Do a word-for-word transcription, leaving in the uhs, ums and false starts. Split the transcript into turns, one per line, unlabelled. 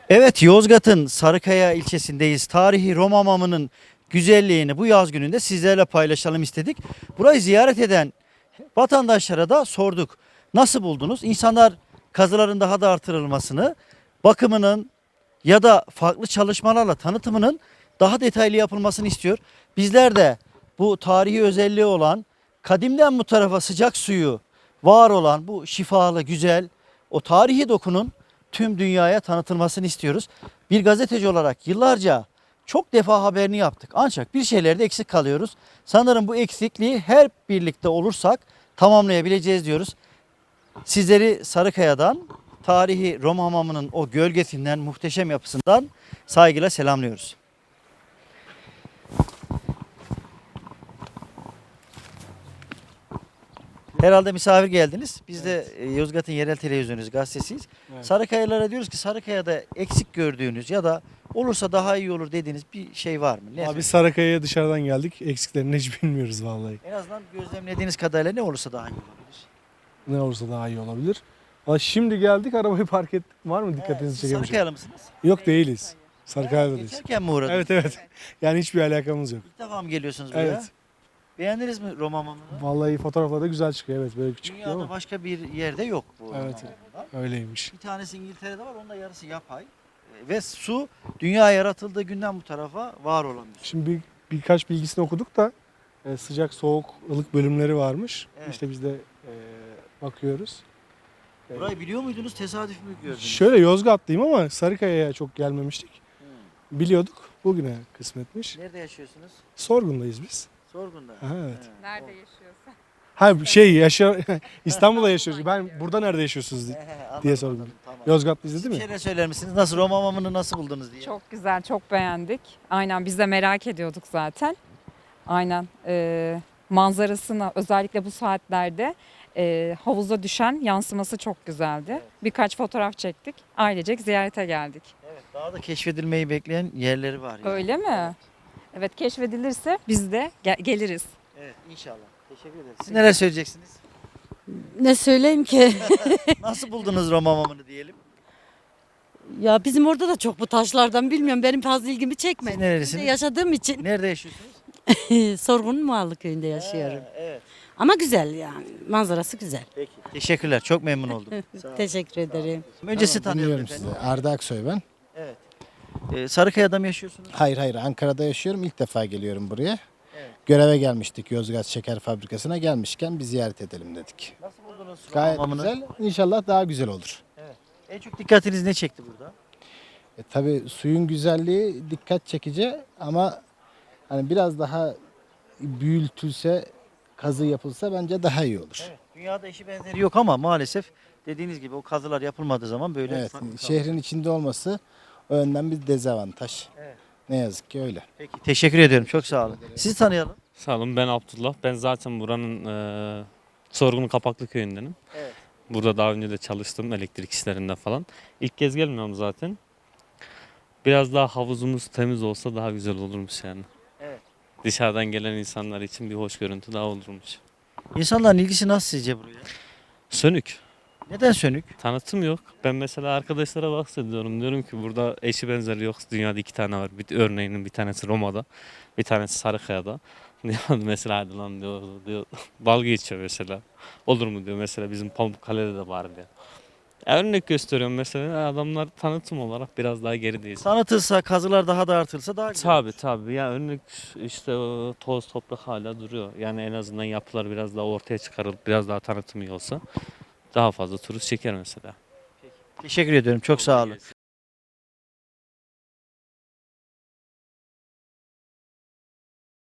Evet, Yozgat'ın Sarıkaya ilçesindeyiz. Tarihi Roma hamamının güzelliğini bu yaz gününde sizlerle paylaşalım istedik. Burayı ziyaret eden vatandaşlara da sorduk. Nasıl buldunuz? İnsanlar kazıların daha da artırılmasını, bakımının ya da farklı çalışmalarla tanıtımının daha detaylı yapılmasını istiyor. Bizler de bu tarihi özelliği olan, kadimden bu tarafa sıcak suyu var olan bu şifalı, güzel, o tarihi dokunun tüm dünyaya tanıtılmasını istiyoruz. Bir gazeteci olarak yıllarca çok defa haberini yaptık. Ancak bir şeylerde eksik kalıyoruz. Sanırım bu eksikliği her birlikte olursak tamamlayabileceğiz diyoruz. Sizleri Sarıkaya'dan, tarihi Roma hamamının o gölgesinden, muhteşem yapısından saygıyla selamlıyoruz. Herhalde misafir geldiniz. Biz de e, Yozgat'ın yerel televizyonuyuz, gazetesiyiz.
Evet.
Sarıkayalara diyoruz ki Sarıkaya'da eksik gördüğünüz ya da olursa daha iyi olur dediğiniz bir şey var mı? Ne
Abi Sarakaya'ya dışarıdan geldik. Eksiklerini hiç bilmiyoruz vallahi.
En azından gözlemlediğiniz kadarıyla ne olursa daha iyi olabilir.
Ne olursa daha iyi olabilir. Ama şimdi geldik, arabayı park ettik. Var mı dikkatinizi
Siz
çeken bir şey?
Sarıkayalı mısınız?
Yok, değiliz. Sarıkaya'dayız.
Geçerken mi uğradınız?
Evet evet. Yani hiçbir alakamız yok.
İlk defa mı geliyorsunuz buraya?
Evet.
Beğendiniz mi Roma hamamını?
Vallahi fotoğraflarda güzel çıkıyor. Evet, böyle küçük
Dünyada
ama
başka bir yerde yok bu Roma
Evet.
hamamından.
öyleymiş.
Bir tanesi İngiltere'de var, onun da yarısı yapay. E, Ve su dünya yaratıldığı günden bu tarafa var olan bir su.
Şimdi bir, birkaç bilgisini okuduk da e, sıcak, soğuk, ılık bölümleri varmış.
Evet.
İşte biz de e, bakıyoruz. E,
Burayı biliyor muydunuz, tesadüf mü gördünüz?
Şöyle Yozgatlıyım ama Sarıkaya'ya çok gelmemiştik.
Hmm.
Biliyorduk. Bugüne kısmetmiş.
Nerede yaşıyorsunuz?
Sorgun'dayız biz.
Sorgun'da.
Aha, evet.
He.
Nerede
O-
yaşıyorsa.
Ha şey yaşa İstanbul'da yaşıyoruz. Ben burada nerede yaşıyorsunuz
He,
diye,
he, anladım,
diye sordum.
anladım, tamam.
Yozgatlıyız
Siz
değil
bir
mi?
şeyler söyler misiniz? Nasıl Roma hamamını nasıl buldunuz diye?
Çok güzel, çok beğendik. Aynen biz de merak ediyorduk zaten. Aynen. Ee, manzarasını özellikle bu saatlerde e, havuza düşen yansıması çok güzeldi.
Evet.
Birkaç fotoğraf çektik. Ailecek ziyarete geldik.
Evet, daha da keşfedilmeyi bekleyen yerleri var. Yani.
Öyle mi? Evet, keşfedilirse biz de gel- geliriz.
Evet, inşallah. Teşekkür ederiz. Siz neler söyleyeceksiniz?
Ne söyleyeyim ki?
Nasıl buldunuz Roma hamamını diyelim?
Ya bizim orada da çok bu taşlardan bilmiyorum. Benim fazla ilgimi
Siz
çekmedi.
nerelisiniz?
Burada yaşadığım için
Nerede yaşıyorsunuz?
Sorgun'un Muallı köyünde yaşıyorum.
Ha, evet.
Ama güzel yani. Manzarası güzel.
Peki. Teşekkürler. Çok memnun oldum. Sağ olun.
Teşekkür ederim.
Önce sizi
Tamam,
tanıyalım
dinliyorum
efendim.
sizi. Arda Aksoy ben.
Evet. Ee, Sarıkaya'da mı yaşıyorsunuz?
Hayır hayır, Ankara'da yaşıyorum. İlk defa geliyorum buraya.
Evet.
Göreve gelmiştik, Yozgat Şeker Fabrikası'na gelmişken bir ziyaret edelim dedik.
Nasıl buldunuz Roma
Gayet
hamamını?
güzel. İnşallah daha güzel olur.
En çok dikkatiniz ne çekti burada?
E, tabii suyun güzelliği dikkat çekici ama hani biraz daha büyütülse, kazı yapılsa bence daha iyi olur.
Evet. Dünyada eşi benzeri yok ama maalesef dediğiniz gibi o kazılar yapılmadığı zaman böyle
Evet,
farklı
şehrin
kalıyor.
içinde olması o yönden bir dezavantaj.
Evet.
Ne yazık ki öyle.
Peki. Teşekkür ediyorum. Çok sağ olun. Sizi tanıyalım.
Sağ olun, ben Abdullah. Ben zaten buranın e, Sorgun Kapaklı köyündenim.
Evet.
Burada daha önce de çalıştım elektrik işlerinde falan. İlk kez gelmiyorum zaten. Biraz daha havuzumuz temiz olsa daha güzel olurmuş yani.
Evet.
Dışarıdan gelen insanlar için bir hoş görüntü daha olurmuş.
İnsanların ilgisi nasıl sizce buraya?
Sönük.
Neden sönük?
Tanıtım yok. Ben mesela arkadaşlara bahsediyorum. Diyorum ki burada eşi benzeri yok. Dünyada iki tane var. Bir, örneğinin bir tanesi Roma'da. Bir tanesi Sarıkaya'da. Diyor mesela hadi lan diyor, diyor. Dalga geçiyor mesela. Olur mu diyor mesela bizim Pamukkale'de de var diyor. Ya örnek gösteriyorum mesela adamlar tanıtım olarak biraz daha gerideyiz.
Tanıtılsa, kazılar daha da artırılsa daha güzel.
Tabii tabii ya örnek işte o toz toprak hala duruyor. Yani en azından yapılar biraz daha ortaya çıkarılıp biraz daha tanıtım iyi olsa daha fazla turist çeker mesela.
Teşekkür ediyorum. Çok sağ olun.